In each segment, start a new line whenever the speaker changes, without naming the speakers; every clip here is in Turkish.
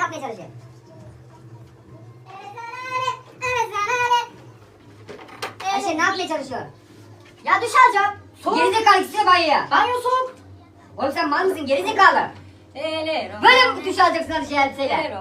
yapmaya çalışıyor? Ayşe ne yapmaya çalışıyor? Ya duş alacağım. Gerizekalı gitsene banyoya. Banyo soğuk. Oğlum sen mal mısın gerizekalı? Böyle mi duş alacaksın hadi şey elbiseyle?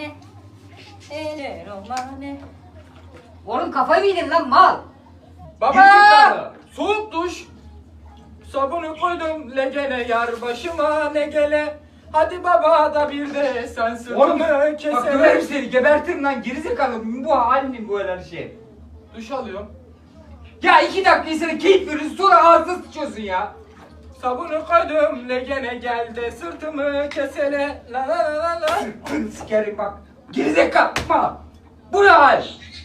Oğlum kafayı mı yedin lan mal?
Baba! Soğuk duş. Sabunu koydum legene yar başıma ne gele. Hadi baba da bir de sen
Oğlum
sırtını
bak
keselim.
döverim seni gebertirim lan gerizekalı. Bu halin bu her şey.
Duş alıyorum.
Ya 2 dakika insana keyif veriyorsun sonra ağzına sıçıyorsun ya.
Sabunu koydum legene gel de sırtımı kesele. La la la la la.
Sırtını sikerim bak. Gerizekalı. Bu ne hal?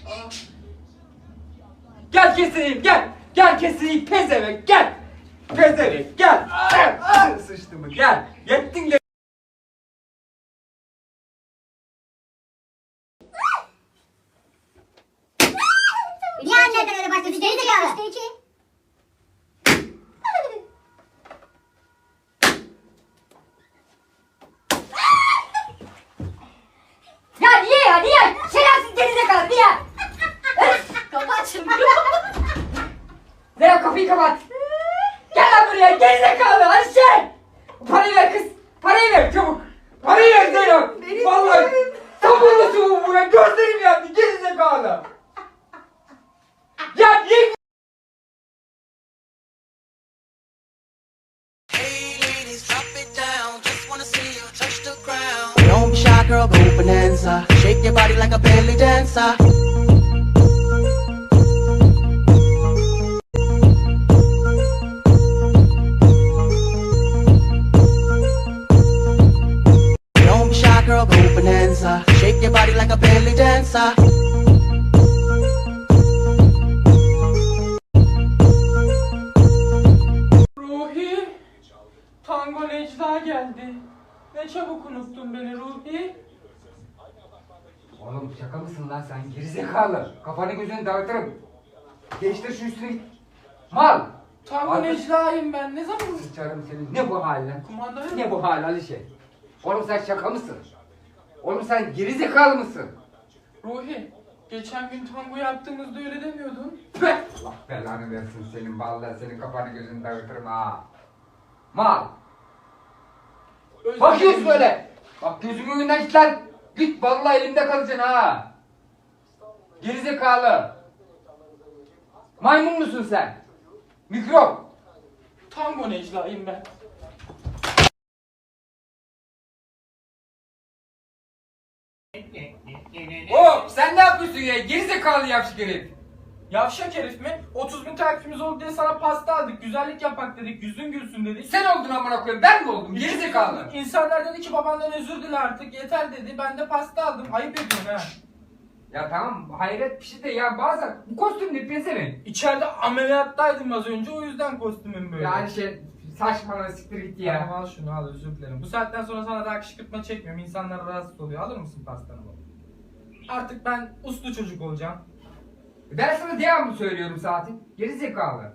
Gel keseyim gel. Gel keseyim pezevenk gel. Pezevenk gel. Sıçtı mı gel. Yettin de.
Niye anneden öyle başlıyorsun gerizekalı? İşte iki. Ya niye ya niye? Şerefsiz gerizekalı niye? Kapat şunu.
Zeynep kapıyı kapat. Gel lan buraya gerizekalı Ayşe. Parayı ver kız. Parayı ver çabuk. Parayı ver Zeynep. Vallahi sabırlısın bu buraya. Gözlerim yandı gerizekalı. Ya niye?
Hey ladies, drop it down. Just wanna see you touch the ground. Don't be shy, girl, go bonanza. Shake your body like a belly dancer. Don't be shy, girl, go bonanza. Shake your body like a belly dancer.
Ruhi. Tango Necla geldi. Ne çabuk unuttun beni Ruhi.
Oğlum şaka mısın lan sen gerizekalı? Kafanı gözünü dağıtırım. Değiştir şu üstüne git. Mal.
Tango
Arkadaş-
Necla'yım ben. Ne zaman
Sıçarım senin. Ne bu hal lan?
kumandayı?
Ne bu hal Alişe? Oğlum sen şaka mısın? Oğlum sen gerizekalı mısın?
Ruhi. Geçen gün tango yaptığımızda öyle demiyordun.
Püh! Allah belanı versin senin vallahi senin kafanı gözünü dağıtırım ha. Mal.
Özür
Bakıyorsun
dilerim.
öyle. Bak gözümün önünden git lan. Git vallahi elimde kalacaksın ha. Gerizekalı. Maymun musun sen? Mikrop.
Tango Necla'yım ben.
Hop sen ne yapıyorsun ya? Gerizekalı yavşık herif.
Yavşak herif mi? 30.000 takipçimiz oldu diye sana pasta aldık. Güzellik yapak dedik. Yüzün gülsün dedik.
Sen oldun amına koyayım. Ben mi oldum? Gerizekalı.
İnsanlar dedi ki babandan özür dile artık. Yeter dedi. Ben de pasta aldım. Ayıp ediyorsun ha.
Ya tamam hayret bir şey de ya bazen bu kostüm ne pezevenk.
İçeride ameliyattaydım az önce. O yüzden kostümüm böyle.
Yani şey saçmalama siktir git ya.
Tamam, al şunu al, özür dilerim. Bu saatten sonra sana daha kışkırtma çekmiyorum. İnsanlar rahatsız oluyor. Alır mısın pastanı baba? Artık ben uslu çocuk olacağım.
Ben sana devamlı söylüyorum zaten. Gerizekalı.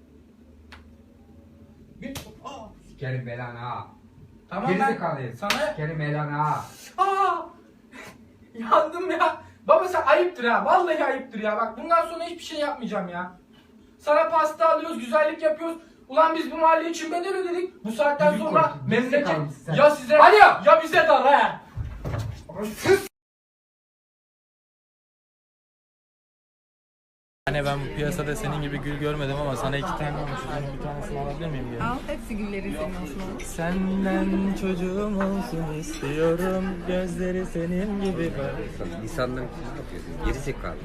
Aa,
Sikerim belanı ha.
tamam
Gerizekalı
ben
herif.
sana...
Sikerim belanı ha.
Aa! Yandım ya. Baba sen ayıptır ha. Vallahi ayıptır ya. Bak bundan sonra hiçbir şey yapmayacağım ya. Sana pasta alıyoruz, güzellik yapıyoruz. Ulan biz bu mahalle için bedel ödedik. Bu saatten
Yüzük
sonra
koydun,
memleket
gerizekalı mısın sen?
ya size
Alo!
ya bize dar ha.
Hani ben bu piyasada senin gibi gül görmedim ama sana 2 tane almışım. Bir tanesini alabilir miyim diye.
Al, hepsi güllerin senin olsun oğlum.
Senden çocuğum olsun istiyorum. Gözleri senin gibi kar.
İnsanların ne yapıyorsun? Gerizekalı.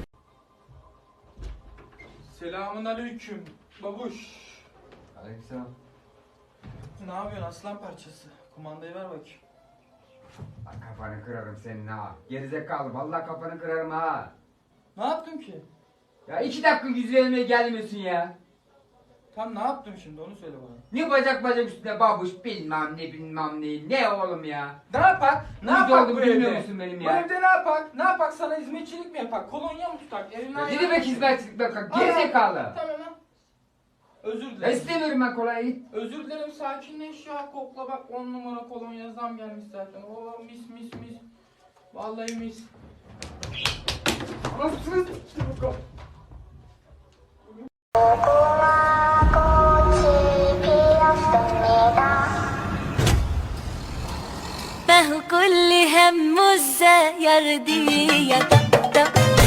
Selamun aleyküm. Babuş.
Aleykümselam.
Ne yapıyorsun aslan parçası? Kumandayı ver bakayım.
Bak kafanı kırarım senin ha. Gerizekalı vallahi kafanı kırarım ha.
Ne yaptım ki?
Ya 2 dakika yüz vermeye gelmiyorsun ya.
Tam ne yaptım şimdi onu söyle bana.
Ne bacak üstüne babuş bilmem ne ne oğlum ya.
Ne yapak? Ne
Yüzde
yapak
oldu,
bu
bilmiyor
evde?
musun benim
Bu
ya?
evde ne yapak? Ne yapak? Sana hizmetçilik mi yapak? Kolonya mı tutak? Evinden
Ne demek hizmetçilik bak gerizekalı.
Tamam ha. Özür
Ya
dilerim.
istemiyorum ben kolay git.
Özür dilerim, sakinleş ya. Kokla bak, 10 numara kolonya zam gelmiş zaten. Oo mis mis mis. Vallahi mis.
Anasını s**tim bakalım.
ما هو كل همه الزير دي يا دق دق